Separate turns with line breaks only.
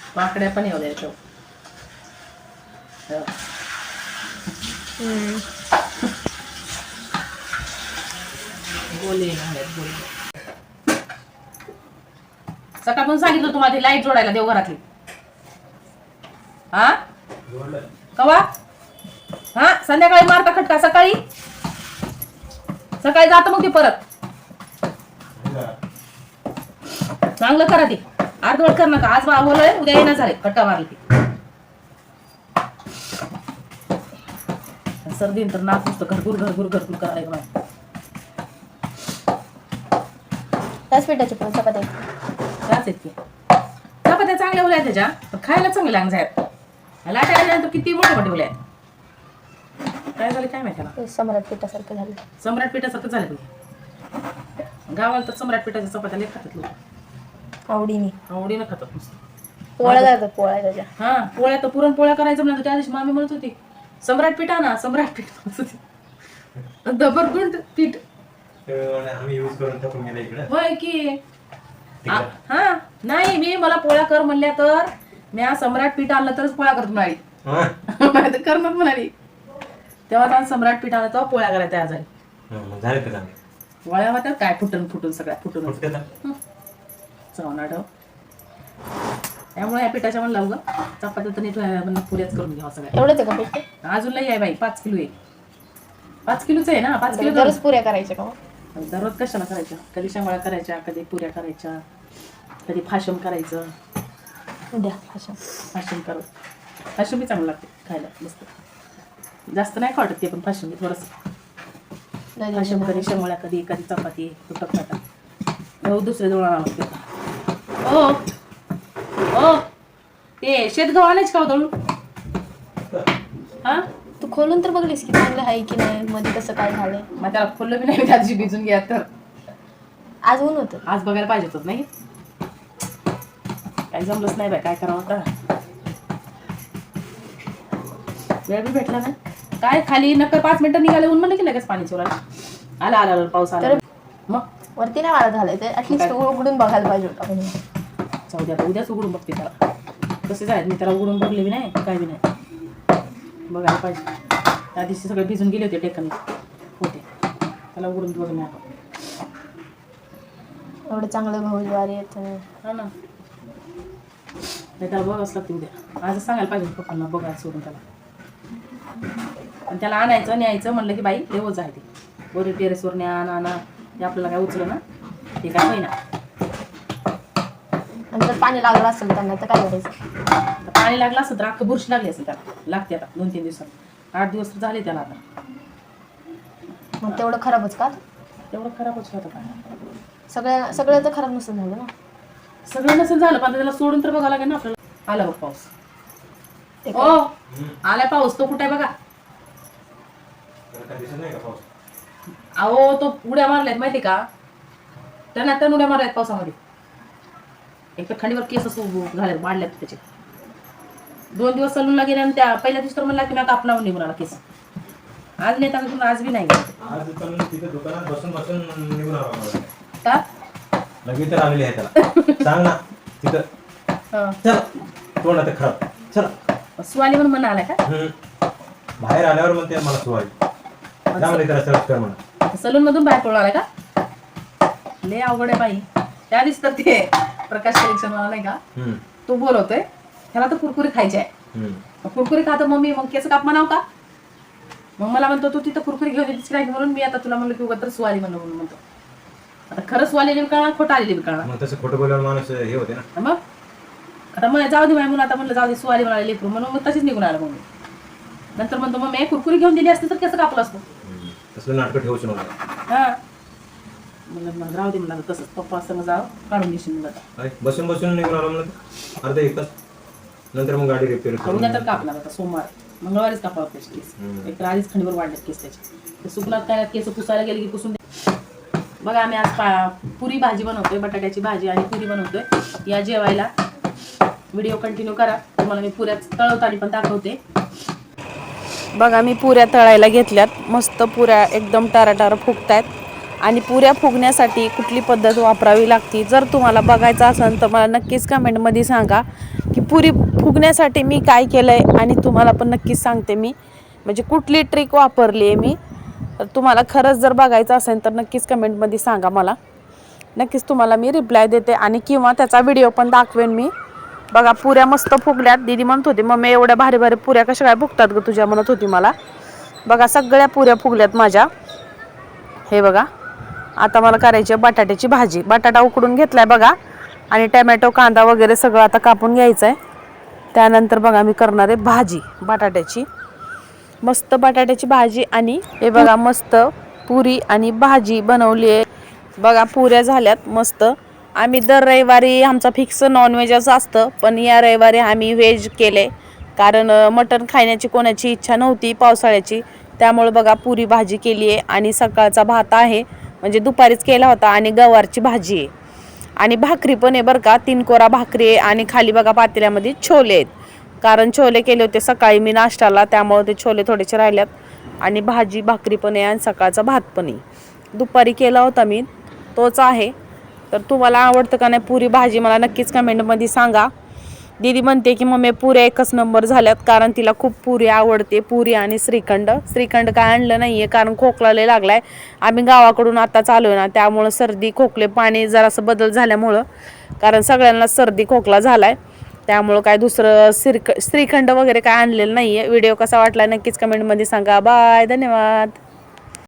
पाकड्या पण येऊ द्यायचं. बोले सकाळपासून सांगितलं तुम्हाला ती लाईट जोडायला देवघरातली. हा कवा? हा संध्याकाळी मारता खटका. सकाळी सकाळी जात मग ती परत. चांगलं करा ती. अर्धवट कर नका. आज बोलय उद्या येणार झाले. खट्टा मारली ती. सर्दी तर नाक नुसतं घरघुर घरघुर घरघुर करायला माहिती.
त्याच पिठाच्या पण चपात्या
त्याच आहेत की. चपात्या चांगल्या उल्या त्याच्या पण खायला चांगल्या लागणार आहेत. लाटायला तर किती मोठे मोठे उल्या आहेत. काय झालं काय माहिती त्याला.
सम्राट पिठासारखं झालं.
सम्राट पिठासारखं झालं तुम्ही. गावाला तर सम्राट पिठाच्या चपात्या लई खातात लोक. आवडीनं खातात नुसतं.
पोळ्या जातात पोळ्या त्याच्या.
हा पोळ्या तर पुरणपोळ्या करायचं म्हणलं त्या दिवशी मामी म्हणत होती सम्राट पीठ आणा. सम्राट पीठ म्हणत होती. दबरगुंड पीठ होय की. हा नाही मी मला पोळ्या कर म्हणल्या तर मी सम्राट पीठ आणलं तरच पोळ्या करत म्हणाली. करणार म्हणाली. तेव्हा त्यानं सम्राट पीठ आणलं तेव्हा पोळ्या करायला तयार झाली. पोळ्या होत्या काय फुटून फुटून सगळ्या फुटून चवनाड. त्यामुळे या पिठाच्या म्हणलं उगा चपात्या तर नीट पुऱ्याच करून घ्यावा सगळ्या.
एवढंच आहे का पीठ?
अजून लई आहे बाई. 5 किलो आहे. 5 किलोच आहे ना. 5 किलो
दररोज पुऱ्या करायच्या का?
दररोज कशाला करायच्या. कधी शेंगोळ्या करायच्या, कधी पुऱ्या करायच्या, कधी फाशम करायचं.
उद्या भाषण.
फाशम करू. फाशम बी चांगलं लागते खायला मस्त. जास्त नाही खावटत ते पण फाशम बी थोडंसं. फाशम कधी शेंगोळ्या कधी कधी चपाती तुटक खातात. दुसरे जवळ लागते. हो हो ते शेतगव्हा आणायच का दळून? हा
तू खोलून तर बघलीस की चांगलं आहे की नाही मध्ये कसं काय झालंय.
मग त्याला खोललं बी नाही. त्याची भिजून घ्या तर
आज ऊन होतं.
आज बघायला पाहिजे होत नाही. काही जमलंच नाही बाय. काय करावं आता. वेळ बी भेटला ना काय. खाली नक्कर 5 मिनिटं निघाले ऊन म्हणलं की लगेच पाणी चोरायला. आला आला पाऊस आला. मग
वरती नाही वाढत झालंय ते. ऍटलीस्ट उघडून बघायला पाहिजे होता.
जाऊ द्या उद्याच उघडून बघते त्याला. कसे जायत मी त्याला उघडून बघले बी नाही काय बी नाही. बघायला पाहिजे. त्या दिवशी सगळे भिजून गेले होते टेकन होते. त्याला उघडून बघ नाही.
एवढं चांगलं गहू ज्वारी येत.
हा ना त्याला बघाच लागते उद्या. आजच सांगायला पाहिजे पप्पांना बघायला सोडून त्याला. पण त्याला आणायचं न्यायचं म्हणलं की बाई लेवच आहे ते. वरी टेरेसवर न्या आणा ते आपल्याला काय उचलं ना ते काय होईना.
आणि जर पाणी लागलं असेल त्यांना तर काय करायचं.
पाणी लागलं असेल तर अख्खं बुरशी लागली असेल त्याला. लागते आता 2-3 दिवसात. 8 दिवस तर झाले त्याला आता.
मग तेवढं खराबच का?
तेवढं खराबच होतं का.
सगळं तर खराब नसेल झालं ना.
सगळं नसेल झालं पण त्याला सोडून तर बघावं लागेल ना आपल्याला. आला बघ पाऊस. हो आलाय पाऊस. तो कुठे आहे बघा. अहो तो उड्या मारल्यात माहिती का. त्यांना उड्या मारल्यात पावसामध्ये. एक तर खंडीवर केस झाले वाढल्यात त्याचे. 2 दिवस सलूनला गेले आणि त्या पहिल्या दिवशी तर म्हणला की मी कापणार निघून आला केस. आज नाही तर आज बी नाही.
दुकानात बसून बसून निघून आला
का
लगेच तर आलेली आहे त्याला. सांग ना तिथं. चला तोंड आता खराब. चला
सुवाली म्हणून म्हणा आलाय का.
बाहेर आल्यावर म्हणते मला सुवाली. त्यामध्ये त्याला सर्च कर म्हणा.
सलून मधून बाहेर पडून आलाय का. लय अवघड आहे बाई. त्या दिवशी तर ते प्रकाश कलेक्शन वाला नाही का तो बोलवतोय त्याला तर कुरकुरी खायची आहे. कुरकुरी खातो मम्मी मग केस काप म्हणाव का. मग मला म्हणतो तू तिथं कुरकुरी घेऊन येतेस काय म्हणून मी आता तुला म्हणलं की उगाच तर सुवाली म्हणून म्हणतो. आता खरं सुवालेली कळणार खोटं आलेली बी कळणार.
मग तसं खोटं बोलल्यावर माणूस हे होते ना.
मग आता मग जाऊ दे म्हणून आता म्हणलं जाऊ दे सुवाली म्हणाले लेकरू म्हणून मग तशीच निघून आलं मग. नंतर म्हणतो मग मी कुरकुरी घेऊन दिली असते तर कसं कापलं असतं.
तसलं नाटकं ठेवूच नव्हतं.
हा म्हणलं मग राहू दे म्हणलं तसंच पप्पा असं जाऊ काढून घेशील म्हणलं.
बसून बसून निघून आलो म्हणलं अर्धा 1 तास. नंतर मग गाडी रिपेअर करून
उद्या तर कापणार आता सोमवार मंगळवारीच कापावं त्याचे केस. एक तर आधीच खंडीवर वाढलेत केस त्याचे. ते सुकणार काय केस पुसायला गेले की पुसून दे. बघा आम्ही आज पुरी भाजी बनवतोय. बटाट्याची भाजी आणि पुरी बनवतोय. या जेवायला. व्हिडिओ कंटिन्यू करा. तुम्हाला मी पुऱ्या तळवताना पण दाखवते. बघा मी पुऱ्या तळायला घेतल्यात. मस्त पुऱ्या एकदम टाराटारा फुगतायत. आणि पुऱ्या फुगण्यासाठी कुठली पद्धत वापरावी लागते जर तुम्हाला बघायचं असेल तर मला नक्कीच कमेंटमध्ये सांगा की पुरी फुगण्यासाठी मी काय केलं आहे आणि तुम्हाला पण नक्कीच सांगते मी म्हणजे कुठली ट्रिक वापरली आहे मी. तर तुम्हाला खरंच जर बघायचं असेल तर नक्कीच कमेंटमध्ये सांगा मला. नक्कीच तुम्हाला मी रिप्लाय देते आणि किंवा त्याचा व्हिडिओ पण दाखवेन मी. बघा पुऱ्या मस्त फुगल्यात. दीदी म्हणत होती मम्मी एवढ्या भारी भारी पुऱ्या कशा काय फुगतात ग तुझ्या म्हणत होती मला. बघा सगळ्या पुऱ्या फुगल्यात माझ्या. हे बघा आता मला करायची आहे बटाट्याची भाजी. बटाटा उकडून घेतलाय बघा आणि टमॅटो कांदा वगैरे सगळं आता कापून घ्यायचं आहे. त्यानंतर बघा मी करणार आहे भाजी बटाट्याची. मस्त बटाट्याची भाजी आणि हे बघा मस्त पुरी आणि भाजी बनवली आहे. बघा पुऱ्या झाल्यात मस्त. आम्ही दर रविवारी आमचा फिक्स नॉनव्हेजच असतं पण या रविवारी आम्ही व्हेज केले कारण मटण खाण्याची कोणाची इच्छा नव्हती पावसाळ्याची. त्यामुळे बघा पुरी भाजी केली आहे आणि सकाळचा भात आहे म्हणजे दुपारीच केला होता आणि गवारची भाजी आहे आणि भाकरी पण आहे बरं का. 3 कोरा भाकरी आहे आणि खाली बघा पातेल्यामध्ये छोले आहेत कारण छोले केले होते सकाळी मी नाश्त्याला त्यामुळे ते छोले थोडेसे राहिल्यात आणि भाजी भाकरी पण आहे आणि सकाळचा भात पण आहे. दुपारी केला होता मी तोच आहे. तर तुम्हाला आवडतं का नाही पुरी भाजी मला नक्कीच कमेंटमध्ये सांगा. दीदी म्हणते की मम्मी पुऱ्या एकच नंबर झाल्यात कारण तिला खूप पुरी आवडते. पुरी आणि श्रीखंड. श्रीखंड काय आणलं नाही आहे कारण खोकला लय लागला आहे. आम्ही गावाकडून आता चालू आहे ना त्यामुळं सर्दी खोकले पाणी जरासं बदल झाल्यामुळं कारण सगळ्यांना सर्दी खोकला झाला आहे त्यामुळं काय दुसरं श्रीखंड वगैरे काय आणलेलं नाही आहे. व्हिडिओ कसा वाटला नक्कीच कमेंटमध्ये सांगा. बाय धन्यवाद.